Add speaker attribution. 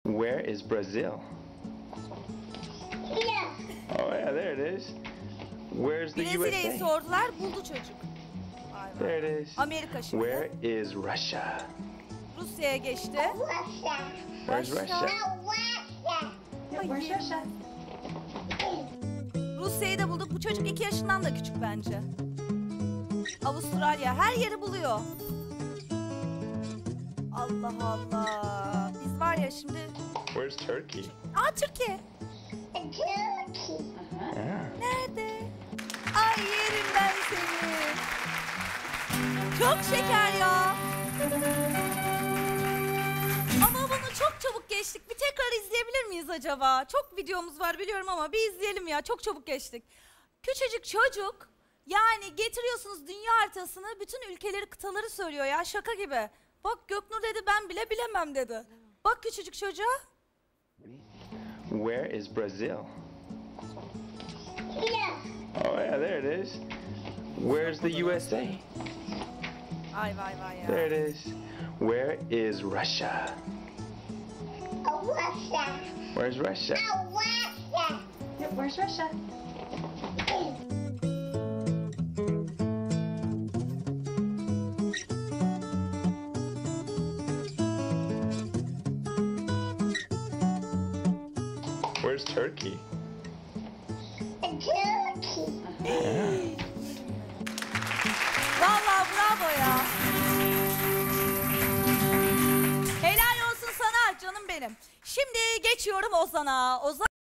Speaker 1: Where is Brazil?
Speaker 2: Yeah.
Speaker 1: Oh yeah, there it is. Where's the
Speaker 3: Brezilya'yı
Speaker 1: USA?
Speaker 3: sordular, buldu çocuk. Vay vay.
Speaker 1: There it is.
Speaker 3: Amerika şimdi.
Speaker 1: Where is Russia?
Speaker 3: Rusya'ya geçti.
Speaker 2: Russia.
Speaker 1: Where's
Speaker 3: Russia.
Speaker 1: Russia?
Speaker 2: Russia.
Speaker 3: Ay, Rusya'yı da bulduk. Bu çocuk 2 yaşından da küçük bence. Avustralya. Her yeri buluyor. Allah Allah. Biz var ya şimdi...
Speaker 1: Where's Turkey?
Speaker 3: Aa, Türkiye.
Speaker 2: Turkey.
Speaker 1: Yeah.
Speaker 3: Nerede? Ay, yerim ben seni. Çok şeker ya. Ama bunu çok çabuk geçtik. Bir tekrar izleyebilir miyiz acaba? Çok videomuz var biliyorum ama bir izleyelim ya. Çok çabuk geçtik. Küçücük çocuk, yani getiriyorsunuz dünya haritasını, bütün ülkeleri, kıtaları söylüyor ya, şaka gibi. Bak, Göknur dedi, ben bile bilemem dedi. Bak küçücük çocuğa.
Speaker 1: Where is Brazil?
Speaker 2: Yeah.
Speaker 1: Oh yeah, there it is. Where's the USA?
Speaker 3: Ay vay vay ya.
Speaker 1: There it is. Where is Russia?
Speaker 2: Russia.
Speaker 1: Where's Russia?
Speaker 2: Russia.
Speaker 4: Yep, where's Russia?
Speaker 1: Where's Turkey?
Speaker 2: Turkey.
Speaker 3: Vallahi bravo ya. Helal olsun sana canım benim. Şimdi geçiyorum Ozan'a. Ozan